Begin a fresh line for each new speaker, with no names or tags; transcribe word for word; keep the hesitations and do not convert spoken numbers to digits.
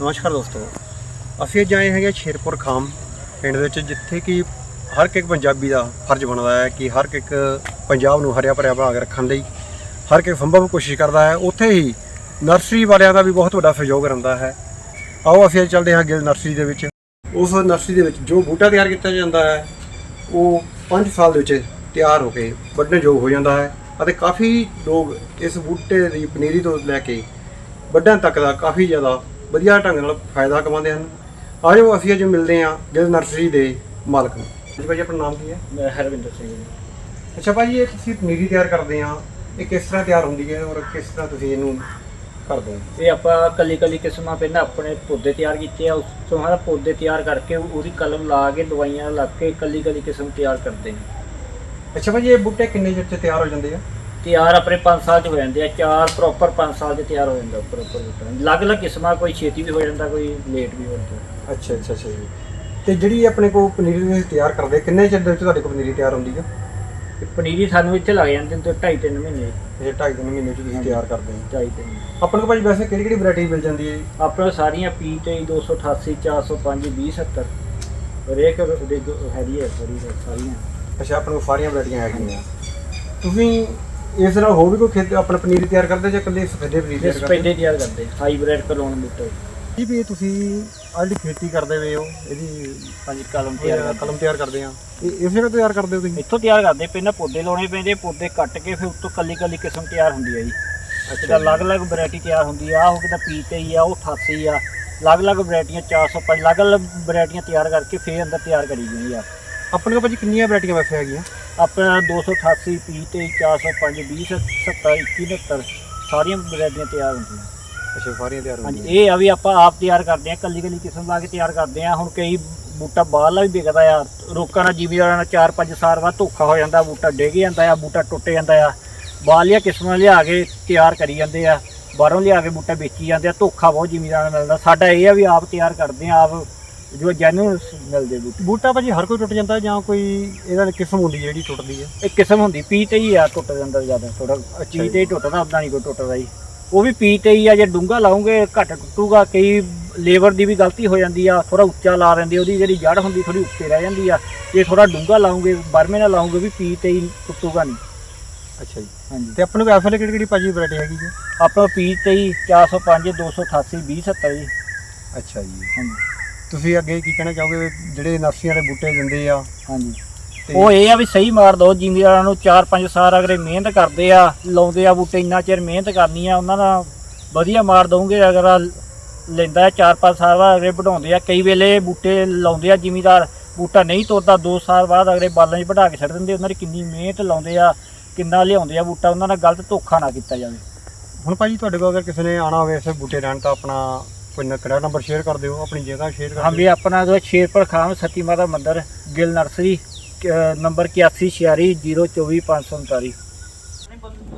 ਨਮਸਕਾਰ ਦੋਸਤੋ, ਅਸੀਂ ਅੱਜ ਆਏ ਹੈਗੇ ਸ਼ੇਰਪੁਰ ਖਾਮ ਪਿੰਡ ਵਿੱਚ, ਜਿੱਥੇ ਕਿ ਹਰ ਇੱਕ ਪੰਜਾਬੀ ਦਾ ਫਰਜ਼ ਬਣਦਾ ਹੈ ਕਿ ਹਰ ਇੱਕ ਪੰਜਾਬ ਨੂੰ ਹਰਿਆ ਭਰਿਆ ਬਣਾ ਕੇ ਰੱਖਣ ਲਈ ਹਰ ਇੱਕ ਸੰਭਵ ਕੋਸ਼ਿਸ਼ ਕਰਦਾ ਹੈ। ਉੱਥੇ ਹੀ ਨਰਸਰੀ ਵਾਲਿਆਂ ਦਾ ਵੀ ਬਹੁਤ ਵੱਡਾ ਸਹਿਯੋਗ ਰਹਿੰਦਾ ਹੈ। ਆਓ ਅਸੀਂ ਅੱਜ ਚੱਲਦੇ ਹਾਂ ਗਿੱਲ ਨਰਸਰੀ ਦੇ ਵਿੱਚ। ਉਸ ਨਰਸਰੀ ਦੇ ਵਿੱਚ ਜੋ ਬੂਟਾ ਤਿਆਰ ਕੀਤਾ ਜਾਂਦਾ ਹੈ ਉਹ ਪੰਜ ਸਾਲ ਦੇ ਵਿੱਚ ਤਿਆਰ ਹੋ ਕੇ ਵੱਢਣ ਯੋਗ ਹੋ ਜਾਂਦਾ ਹੈ ਅਤੇ ਕਾਫੀ ਲੋਕ ਇਸ ਬੂਟੇ ਦੀ ਪਨੀਰੀ ਤੋਂ ਲੈ ਕੇ ਵੱਢਣ ਤੱਕ ਦਾ ਕਾਫੀ ਜ਼ਿਆਦਾ ਵਧੀਆ ਢੰਗ ਨਾਲ ਫਾਇਦਾ ਕਮਾਉਂਦੇ ਹਨ। ਆਜੋ ਅਸੀਂ ਅੱਜ ਮਿਲਦੇ ਹਾਂ ਗਿੱਲ ਨਰਸਰੀ ਦੇ ਮਾਲਕ ਨੂੰ। ਜੀ ਭਾਜੀ, ਆਪਣਾ ਨਾਮ ਕੀ ਹੈ?
ਮੈਂ ਹਰਵਿੰਦਰ ਸਿੰਘ ਜੀ।
ਅੱਛਾ ਭਾਜੀ, ਇਹ ਤੁਸੀਂ ਪਨੀਰੀ ਤਿਆਰ ਕਰਦੇ ਆ, ਇਹ ਕਿਸ ਤਰ੍ਹਾਂ ਤਿਆਰ ਹੁੰਦੀ ਹੈ ਔਰ ਕਿਸ ਤਰ੍ਹਾਂ ਤੁਸੀਂ ਇਹਨੂੰ ਕਰਦੇ ਹੋ?
ਇਹ ਆਪਾਂ ਕੱਲੀ ਕੱਲੀ ਕਿਸਮਾਂ ਪਹਿਲਾਂ ਆਪਣੇ ਪੌਦੇ ਤਿਆਰ ਕੀਤੇ ਆ, ਉਸ ਤੋਂ ਬਾਅਦ ਪੌਦੇ ਤਿਆਰ ਕਰਕੇ ਉਹਦੀ ਕਲਮ ਲਾ ਕੇ ਦਵਾਈਆਂ ਲਾ ਕੇ ਕੱਲੀ ਕੱਲੀ ਕਿਸਮ ਤਿਆਰ ਕਰਦੇ ਹਾਂ।
ਅੱਛਾ ਭਾਜੀ, ਇਹ ਬੂਟੇ ਕਿੰਨੇ ਚਿਰ 'ਚ ਤਿਆਰ ਹੋ ਜਾਂਦੇ ਆ?
ਤਿਆਰ ਆਪਣੇ ਪੰਜ ਸਾਲ 'ਚ ਹੋ ਜਾਂਦੇ ਆ, ਚਾਰ ਪ੍ਰੋਪਰ ਪੰਜ ਸਾਲ 'ਚ ਤਿਆਰ ਹੋ ਜਾਂਦਾ ਪ੍ਰੋਪਰ ਬੂਟਾ। ਅਲੱਗ-ਅਲੱਗ ਕਿਸਮਾਂ, ਕੋਈ ਛੇਤੀ ਵੀ ਹੋ ਜਾਂਦਾ, ਕੋਈ ਲੇਟ ਵੀ ਹੋ ਜਾਂਦਾ।
ਅੱਛਾ ਅੱਛਾ ਅੱਛਾ ਜੀ। ਅਤੇ ਜਿਹੜੀ ਆਪਣੇ ਕੋਲ ਪਨੀਰੀ ਤੁਸੀਂ ਤਿਆਰ ਕਰਦੇ, ਕਿੰਨੇ ਚਿਰ ਦੇ ਵਿੱਚ ਤੁਹਾਡੇ ਕੋਲ ਪਨੀਰੀ ਤਿਆਰ ਹੁੰਦੀ ਆ?
ਤੇ ਪਨੀਰੀ ਸਾਨੂੰ ਇੱਥੇ ਲੱਗ ਜਾਂਦੇ ਨੇ ਢਾਈ ਤਿੰਨ ਮਹੀਨੇ।
ਇਹ ਢਾਈ ਤਿੰਨ ਮਹੀਨੇ 'ਚ ਤੁਸੀਂ ਤਿਆਰ ਕਰਦੇ ਹੋ?
ਢਾਈ ਤਿੰਨ।
ਆਪਣੇ ਕੋਲ ਭਾਜੀ ਵੈਸੇ ਕਿਹੜੀ ਕਿਹੜੀ ਵੈਰਾਈਟੀ ਮਿਲ ਜਾਂਦੀ ਹੈ?
ਆਪਣੇ ਸਾਰੀਆਂ ਪੀ ਤੇਈ, ਦੋ ਸੌ ਅਠਾਸੀ, ਚਾਰ ਸੌ ਪੰਜ, ਵੀਹ ਸੱਤਰ ਹਰੇਕ ਹੈਗੀ ਹੈ ਸਾਰੀਆਂ।
ਅੱਛਾ, ਆਪਣੇ ਕੋਲ ਸਾਰੀਆਂ ਵੈਰਾਈਟੀਆਂ ਹੈਗੀਆਂ। ਤੁਸੀਂ ਇਸ ਨਾਲ ਹੋਰ ਵੀ ਕੋਈ ਖੇਤ ਆਪਣਾ ਪਨੀਰੀ ਤਿਆਰ ਕਰਦੇ ਜਾਂ ਇਕੱਲੇ ਸਫੈਦੇ ਪਨੀਰੀ ਤਿਆਰ ਕਰਦੇ?
ਸਫੈਦੇ ਤਿਆਰ ਕਰਦੇ, ਹਾਈਬ੍ਰਿਡ ਕਲੋਨ ਬੂਟੇ
ਜੀ। ਵੀ ਤੁਸੀਂ ਆਹ ਜਿਹੜੀ ਖੇਤੀ ਕਰਦੇ ਪਏ ਹੋ, ਇਹਦੀ
ਹਾਂਜੀ ਕਲਮ ਤਿਆਰ ਕਰਦੇ,
ਕਲਮ ਤਿਆਰ ਕਰਦੇ ਆ, ਇਹ ਇਸ ਜਗ੍ਹਾ ਤਿਆਰ ਕਰਦੇ ਹੋ ਤੁਸੀਂ?
ਇੱਥੋਂ ਤਿਆਰ ਕਰਦੇ, ਪਹਿਲਾਂ ਪੌਦੇ ਲਾਉਣੇ ਪੈਂਦੇ, ਪੌਦੇ ਕੱਟ ਕੇ ਫਿਰ ਉੱਤੋਂ ਕੱਲੀ ਕੱਲੀ ਕਿਸਮ ਤਿਆਰ ਹੁੰਦੀ ਹੈ ਜੀ। ਅੱਛਾ, ਅਲੱਗ-ਅਲੱਗ ਵੈਰਾਈਟੀ ਤਿਆਰ ਹੁੰਦੀ ਆ। ਉਹ ਕਿਤਾ ਪੀ ਤੇਈ ਆ, ਉਹ ਅਠਾਸੀ ਆ, ਅਲੱਗ-ਅਲੱਗ ਵੈਰਾਈਟੀਆਂ ਚਾਰ ਸੌ ਪੰਜ, ਅਲੱਗ-ਅਲੱਗ ਵੈਰਾਈਟੀਆਂ ਤਿਆਰ ਕਰਕੇ ਫਿਰ ਅੰਦਰ ਤਿਆਰ ਕਰੀ ਗਈ ਆ।
ਆਪਣੇ ਕੋਲ ਭਾਜੀ ਕਿੰਨੀਆਂ ਵੈਰਾਈਟੀਆਂ ਵੈਸੇ ਹੈਗੀਆਂ?
ਆਪਣਾ ਦੋ ਸੌ ਅਠਾਸੀ, ਪੀ ਤੇਈ, ਚਾਰ ਸੌ ਪੰਜ, ਵੀਹ ਸੱਤਰ, ਇੱਕੀ ਉਣਹੱਤਰ ਸਾਰੀਆਂ ਵੈਰਾਈਟੀਆਂ ਤਿਆਰ ਹੁੰਦੀਆਂ।
ਅੱਛਾ, ਸਾਰੀਆਂ ਤਿਆਰ ਹੁੰਦੀਆਂ।
ਹਾਂਜੀ, ਇਹ ਆ ਵੀ ਆਪਾਂ ਆਪ ਤਿਆਰ ਕਰਦੇ ਆ, ਕੱਲੀ ਕੱਲੀ ਕਿਸਮ ਲਾ ਕੇ ਤਿਆਰ ਕਰਦੇ ਆ। ਹੁਣ ਕਈ ਬੂਟਾ ਬਾਹਰਲਾ ਵੀ ਵਿਕਦਾ ਆ, ਰੋਕਾਂ ਨਾਲ ਜ਼ਿਮੀਦਾਰਾਂ ਨਾਲ ਚਾਰ ਪੰਜ ਸਾਲ ਬਾਅਦ ਧੋਖਾ ਹੋ ਜਾਂਦਾ, ਬੂਟਾ ਡਿੱਗ ਜਾਂਦਾ ਆ, ਬੂਟਾ ਟੁੱਟ ਜਾਂਦਾ ਆ। ਬਾਹਰਲੀਆਂ ਕਿਸਮਾਂ ਲਿਆ ਕੇ ਤਿਆਰ ਕਰੀ ਜਾਂਦੇ ਆ, ਬਾਹਰੋਂ ਲਿਆ ਕੇ ਬੂਟਾ ਵੇਚੀ ਜਾਂਦੇ ਆ, ਧੋਖਾ ਬਹੁਤ ਜ਼ਿਮੀਦਾਰਾਂ ਨਾਲ ਮਿਲਦਾ। ਸਾਡਾ ਇਹ ਆ ਵੀ ਆਪ ਤਿਆਰ ਕਰਦੇ ਆ, ਆਪ ਜੋ ਜੈਨੂਅਨ ਮਿਲਦੇ ਬੂਟੇ।
ਬੂਟਾ ਭਾਜੀ ਹਰ ਕੋਈ ਟੁੱਟ ਜਾਂਦਾ ਜਾਂ ਕੋਈ ਇਹਦਾ ਕਿਸਮ ਹੁੰਦੀ ਜਿਹੜੀ ਟੁੱਟਦੀ ਹੈ?
ਇੱਕ ਕਿਸਮ ਹੁੰਦੀ ਪੀ ਤੇਈ ਆ, ਟੁੱਟ ਜਾਂਦਾ ਜ਼ਿਆਦਾ ਥੋੜਾ। ਪੀ ਤੇਈ ਟੁੱਟਦਾ, ਉੱਦਾਂ ਨਹੀਂ ਕੋਈ ਟੁੱਟਦਾ ਜੀ। ਉਹ ਵੀ ਪੀ ਤੇਈ ਆ, ਜੇ ਡੂੰਘਾ ਲਾਉਂਗੇ ਘੱਟ ਟੁੱਟੂਗਾ। ਕਈ ਲੇਬਰ ਦੀ ਵੀ ਗਲਤੀ ਹੋ ਜਾਂਦੀ ਆ, ਥੋੜਾ ਉੱਚਾ ਲਾ ਦਿੰਦੇ, ਉਹਦੀ ਜਿਹੜੀ ਜੜ੍ਹ ਹੁੰਦੀ ਥੋੜੀ ਉੱਤੇ ਰਹਿ ਜਾਂਦੀ ਆ। ਜੇ ਥੋੜਾ ਡੂੰਘਾ ਲਾਉਂਗੇ, ਬਰਮੇ ਨਾਲ ਲਾਉਂਗੇ ਵੀ ਪੀ ਤੇਈ ਟੁੱਟੂਗਾ ਨਹੀਂ।
ਅੱਛਾ ਜੀ।
ਹਾਂਜੀ,
ਤੇ ਆਪਣੇ ਕੋਲ ਇਸ ਵੇਲੇ ਕਿਹੜੀ ਕਿਹੜੀ ਭਾਜੀ ਵੈਰਾਈਟੀ ਹੈਗੀ ਜੀ?
ਆਪਾਂ ਪੀ ਤੇਈ, ਚਾਰ ਸੌ ਪੰਜ, ਦੋ ਸੌ ਅਠਾਸੀ, ਵੀਹ ਸੱਤਰ ਜੀ।
ਅੱਛਾ ਜੀ।
ਹਾਂਜੀ,
ਤੁਸੀਂ ਅੱਗੇ ਕੀ ਕਹਿਣਾ ਚਾਹੋਗੇ ਜਿਹੜੇ ਨਰਸਰੀਆਂ ਦੇ ਬੂਟੇ ਦਿੰਦੇ ਆ?
ਹਾਂਜੀ, ਉਹ ਇਹ ਆ ਵੀ ਸਹੀ ਮਾਰ ਦੋ ਜ਼ਿਮੀਦਾਰਾਂ ਨੂੰ। ਚਾਰ ਪੰਜ ਸਾਲ ਅਗਲੇ ਮਿਹਨਤ ਕਰਦੇ ਆ, ਲਾਉਂਦੇ ਆ ਬੂਟੇ, ਇੰਨਾ ਚਿਰ ਮਿਹਨਤ ਕਰਨੀ ਆ, ਉਹਨਾਂ ਦਾ ਵਧੀਆ ਮਾਰ ਦਊਂਗੇ। ਅਗਰ ਲੈਂਦਾ ਚਾਰ ਪੰਜ ਸਾਲ ਬਾਅਦ ਅਗਲੇ ਵਧਾਉਂਦੇ ਆ। ਕਈ ਵੇਲੇ ਬੂਟੇ ਲਾਉਂਦੇ ਆ ਜ਼ਿਮੀਦਾਰ, ਬੂਟਾ ਨਹੀਂ ਤੋੜਦਾ, ਦੋ ਸਾਲ ਬਾਅਦ ਅਗਲੇ ਬਾਲਾਂ 'ਚ ਵਢਾ ਕੇ ਛੱਡ ਦਿੰਦੇ। ਉਹਨਾਂ ਦੀ ਕਿੰਨੀ ਮਿਹਨਤ ਲਾਉਂਦੇ ਆ, ਕਿੰਨਾ ਲਿਆਉਂਦੇ ਆ ਬੂਟਾ, ਉਹਨਾਂ ਨਾਲ ਗਲਤ ਧੋਖਾ ਨਾ ਕੀਤਾ ਜਾਵੇ।
ਹੁਣ ਭਾਜੀ ਤੁਹਾਡੇ ਕੋਲ ਅਗਰ ਕਿਸੇ ਨੇ ਆਉਣਾ ਹੋਵੇ ਇਸ ਬੂਟੇ ਲੈਣ ਤਾਂ ਆਪਣਾ ਕੋਈ ਕਿਹੜਾ ਨੰਬਰ ਸ਼ੇਅਰ ਕਰ ਦਿਓ, ਆਪਣੀ ਜਗ੍ਹਾ ਸ਼ੇਅਰ ਕਰ ਦਿਓ।
ਹਾਂ ਵੀ ਆਪਣਾ ਜੋ ਸ਼ੇਰਪੁਰ ਖਾਮ ਸਤੀ ਮਾਤਾ ਮੰਦਰ, ਗਿੱਲ ਨਰਸਰੀ, ਨੰਬਰ ਇਕਿਆਸੀ ਛਿਆਲੀ, ਜ਼ੀਰੋ ਚੌਵੀ, ਪੰਜ ਸੌ ਉਨਤਾਲੀ।